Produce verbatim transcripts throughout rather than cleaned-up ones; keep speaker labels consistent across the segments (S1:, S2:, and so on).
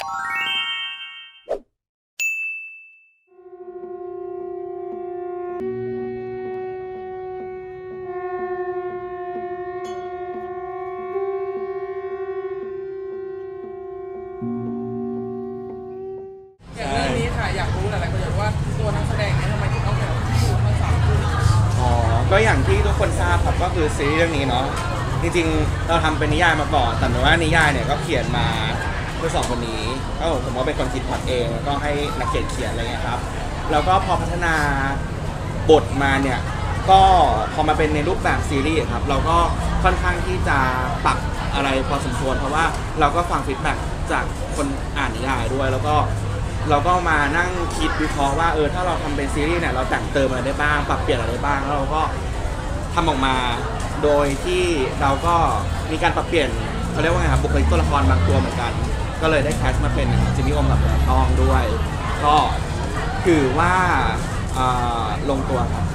S1: อย่างเรื่องนี้ค่ะอยากรู้หลายๆคนอยากรู้ว่าตัวนักแสดงเนี่ยทำไมถึงต้องแบบอยู่ทั้งสามคู่
S2: อ๋อก็อย่างที่ทุกคนทราบครับก็คือซีรีส์เรื่องนี้เนาะจริงๆเราทำเป็นนิยายมาก่อนแต่ว่านิยายเนี่ยก็เขียนมาเพื่อสองคนนี้ก็ผมก็เป็นคนคิดพล็อตเองแล้วก็ให้นักเขียนเขียนอะไรเงี้ยครับแล้วก็พอพัฒนาบทมาเนี่ยก็พอมาเป็นในรูปแบบซีรีส์ครับเราก็ค่อนข้างที่จะปรับอะไรพอสมควรเพราะว่าเราก็ฟังฟีดแบ็กจากคนอ่านนิยายด้วยแล้วก็เราก็มานั่งคิดวิเคราะห์ว่าเออถ้าเราทำเป็นซีรีส์เนี่ยเราแต่งเติมอะไรได้บ้างปรับเปลี่ยนอะไรได้บ้างแล้วเราก็ทำออกมาโดยที่เราก็มีการปรับเปลี่ยนเขาเรียกว่าไงครับบุคลิกตัวละครบางตัวเหมือนกันก็เลยได้แคสมาเป็นจิมมี่โอมกับคุณทองด้วยก็ถือว่าลงตัวครับ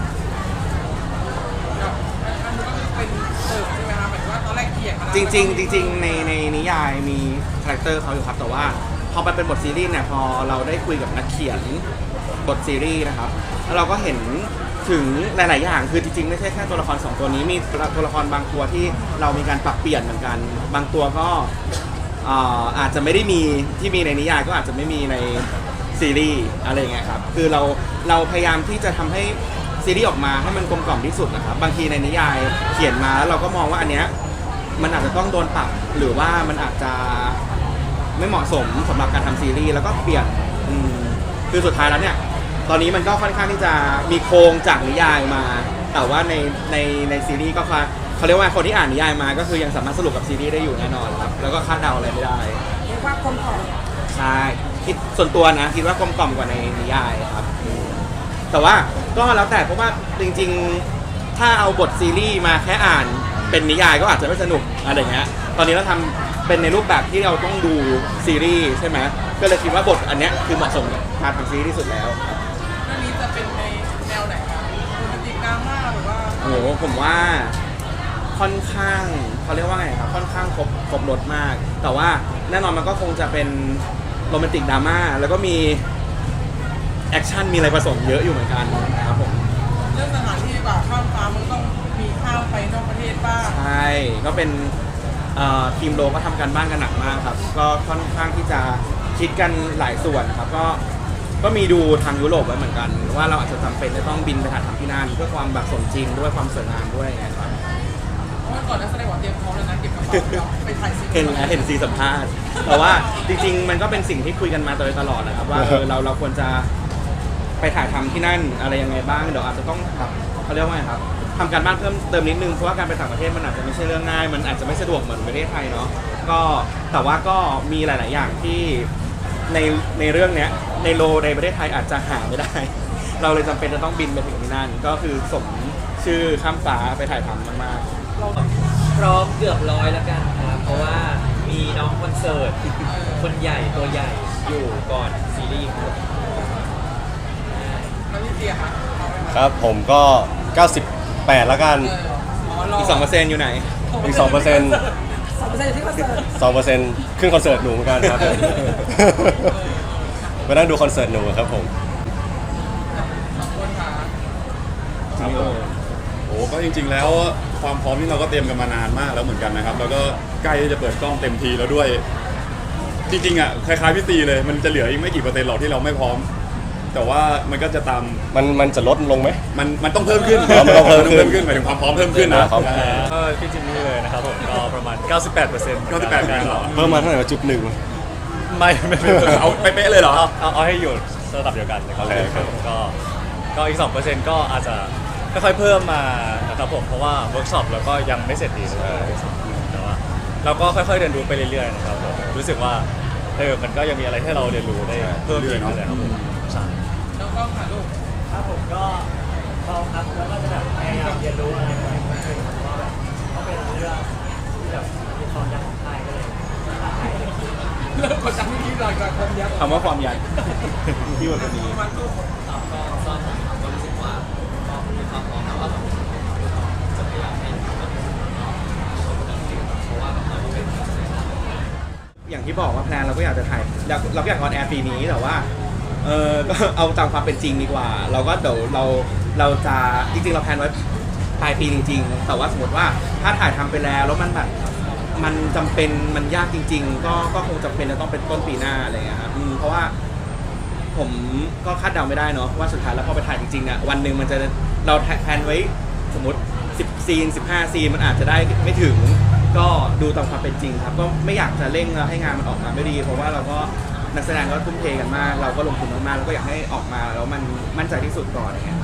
S1: อันนี้ก็คือเป็นเติมใช่ไหมคะหมายถึงว่าตอนแรกเขียนมา
S2: จริงๆจริงๆในในนิยายมีคาแรคเตอร์เขาอยู่ครับแต่ว่าพอไปเป็นบทซีรีส์เนี่ยพอเราได้คุยกับนักเขียนบทซีรีส์นะครับแล้วเราก็เห็นถึงหลายๆอย่างคือจริงๆไม่ใช่แค่ตัวละครสองตัวนี้มีตัวละครบางตัวที่เรามีการปรับเปลี่ยนเหมือนกันบางตัวก็อาจจะไม่ได้มีที่มีในนิยายก็อาจจะไม่มีในซีรีส์อะไรเงี้ยครับคือเราเราพยายามที่จะทำให้ซีรีส์ออกมาให้มันกลมกล่อมที่สุดนะครับบางทีในนิยายเขียนมาแล้วเราก็มองว่าอันเนี้ยมันอาจจะต้องโดนปรับหรือว่ามันอาจจะไม่เหมาะสมสำหรับการทำซีรีส์แล้วก็เปลี่ยนคือสุดท้ายแล้วเนี่ยตอนนี้มันก็ค่อนข้างที่จะมีโครงจากนิยายมาแต่ว่าในในในซีรีส์ก็เขาเรียกว่าคนที่อ่านนิยายมาก็คือยังสามารถสรุปกับซีรีส์ได้อยู่แน่นอนครับแล้วก็คาดเดาอะไรไม่ได้
S1: เรียกว่ากลมกล่อม
S2: ใช่คิดส่วนตัวนะคิดว่ากลมกล่อมกว่าในนิยายครับแต่ว่าก็แล้วแต่เพราะว่าจริงๆถ้าเอาบทซีรีส์มาแค่อ่านเป็นนิยายก็อาจจะไม่สนุกอะไรเงี้ยตอนนี้เราทำเป็นในรูปแบบที่เราต้องดูซีรีส์ใช่ไหมก็เลยคิดว่าบทอันเนี้ยคือเหมาะสมกับการทำซีรีส์ที่สุดแล้วครับ
S1: เรื่องนี้จะเป็นในแนวไหนคะโรแมนติกดราม่าหรือว่า
S2: โอ้โหผมว่าค่อนข้างเขาเรียกว่าไงครับค่อนข้างครบครบรสมากแต่ว่าแน่นอนมันก็คงจะเป็นโรแมนติกดราม่าแล้วก็มีแอคชั่นมีอะไรผสมเยอะอยู่เหมือนกันครับผม
S1: เรื่องสถานที่แบบข้ามฟ้ามันต้องมีข้ามไปนอกประเทศบ้าง
S2: ใช่ก็เป็นทีมโลก็ทำการบ้านกันหนักมากครับก็ค่อนข้างที่จะคิดกันหลายส่วนครับก็ก็มีดูทางยุโรปไว้เหมือนกันว่าเราอาจจะจำเป็นจะต้องบินไปถ่ายทำที่นั่นเพื่อความแบบสมจริงด้วยความสวยงามด้วยไงครับ
S1: เพราะว่าก่อนนักแสดงว่าเตรียมพร้อมแล้วนะเก็บกระเป๋าเดี๋ยวไปถ่ายซีรีส์
S2: เห็นแล้วเห็นซีสัมภาษณ์แต่ว่าจริงๆมันก็เป็นสิ่งที่คุยกันมาโดยตลอดนะครับว่าเออเราเราควรจะไปถ่ายทำที่นั่นอะไรยังไงบ้างเดี๋ยวอาจจะต้องแบบเขาเรียกว่าไงครับทำการบ้านเพิ่มเติมนิดนึงเพราะว่าการไปต่างประเทศมันอาจจะไม่ใช่เรื่องง่ายมันอาจจะไม่สะดวกเหมือนประเทศไทยเนาะก็แต่ว่าก็มีหลาย ๆ อย่างที่ในในเรื่องเนี้ยในโลในประเทศไทยอาจจะหาไม่ได้ เราเลยจำเป็นจะต้องบินไปถึงที่นั่นก็คือสมชื่อข้ามฟ้าไปถ่ายทำมากๆ
S3: พร้อมเกือบร้อยแล้วกันครับเพราะว่ามีน้องคอนเสิร์ตคนใหญ่ตัวใหญ่อยู่ก่อนซีรีส์ครับ
S1: แล้วพี่เตียค่ะเอาไหม
S4: ครับผมก็เก้าสิบแปดแล้วกัน
S1: เอออ๋อรอ
S2: อีกสองเปอร์เซ็นต์อยู่ไหน
S4: อีกสองเปอร์เซ็นต์
S1: สองเปอร์เซ็นต์ที่คอนเสิร์ต
S4: สองเปอร์เซ็นต์ขึ้นคอนเสิร์ตหนูเหมือนกันครับ มานั่งดูคอนเสิร์ตหนูครับผม
S1: สองคนค่ะ
S5: ครับผมโอ้ก็จริงๆแล้วความพร้อมที่เราก็เตรียมกันมานานมากแล้วเหมือนกันนะครับแล้วก็ใกล้ที่จะเปิดกล้องเต็มทีแล้วด้วย จริงๆอ่ะคล้ายๆพี่ตีเลยมันจะเหลืออีกไม่กี่เปอร์เซ็นต์หรอกที่เราไม่พร้อม แต่ว่ามันก็จะตาม
S4: มันมันจะลดลงไหม
S5: มันมันต้องเพิ่มขึ้น
S4: อ๋อมันต้องเพิ่มขึ้น
S5: หมายถึงความพร้อมเพิ่มขึ้นนะครับ
S6: ก็พี่จิมมี่เลยนะครับผมก็ประมาณ เก้าสิบแปดเปอร์เซ็นต์
S5: เก้าสิบแปดเปอร์เซ็นต์เหรอ
S4: เพิ่มมาเท่าไหร่วะจุดหนึ่ง
S6: ไม่ไม่ไม่ไม่
S5: เอาเป๊ะๆเลยเหรอ
S6: เอาเอาเอาให้อยู่ระดับเดียวกันนะครับ
S4: โอเคครับ
S6: ก็ก็อีกสองเปอร์เซ็นต์ก็อาจจะค่อยๆเพิ่มมานะครับผมเพราะว่าเวิร์กช็อปเราก็ยังไม่เสร็จดีเลยแต่ว่าเราก็ค่อยๆเรียนรู้ไปเรื่อยๆนะครับผมรู้สึกว่าเออมันก็ยังมีอะไรให้เราเรียนรู้ได้เพิ่มอีกเลยครับผมใช่
S1: น้องกล้องค่ะลูก
S3: ครับผมก็พร้อมครับแล้วก็จะแบบพยายามเรียนรู้อะไรใหม่ๆเพราะว่าแบบเขาเป็นเรื่องที่แบบมีความยากของไทยก็เลยท้าทายเลย
S1: เริ่มกดดันที่นี่หลังจากความยักษ์
S2: คำว่าความยัน ที่วันนี้
S1: มันก็
S3: ก็ก็ผมก็รู้สึกว่าก็มีความพร้อมแล้วว่าแบบจะพยายามให้ทุกคนชมกันเพราะว่าแบบเราเป็นนักแสดง
S2: จอย่างที่บอกว่าแพลนเราก็อยากจะถ่ายอยากเราก็อยากออนแอร์ปีนี้แต่ว่าเออก็เอาตามความเป็นจริงดีกว่า เราก็เดี๋ยวเราเราจะจริงๆเราแพลนไว้ปลายปีจริงๆ แต่ว่าสมมติว่าถ้าถ่ายทำไปแล้วแล้วมันแบบมันจำเป็นมันยากจริง ๆ ก็ก็คงจำเป็นจะต้องเป็นต้นปีหน้าอะไรเงี้ยครับอืมเพราะว่าผมก็คาดเดาไม่ได้เนาะว่าสุดท้ายแล้วพอไปถ่ายจริงๆเนี่ยวันหนึ่งมันจะเราแพลนไว้สมมติสิบซีนสิบห้าซีนมันอาจจะได้ไม่ถึงก็ดูตามความเป็นจริงครับก็ไม่อยากจะเร่งแล้วให้งานมันออกมาไม่ดี เพราะว่าเราก็นักแสดงก็ทุ่มเทกันมาก เราก็ลงทุนมากๆแล้วก็อยากให้ออกมาแล้วมันมั่นใจที่สุดก่อนอย่างเงี้ย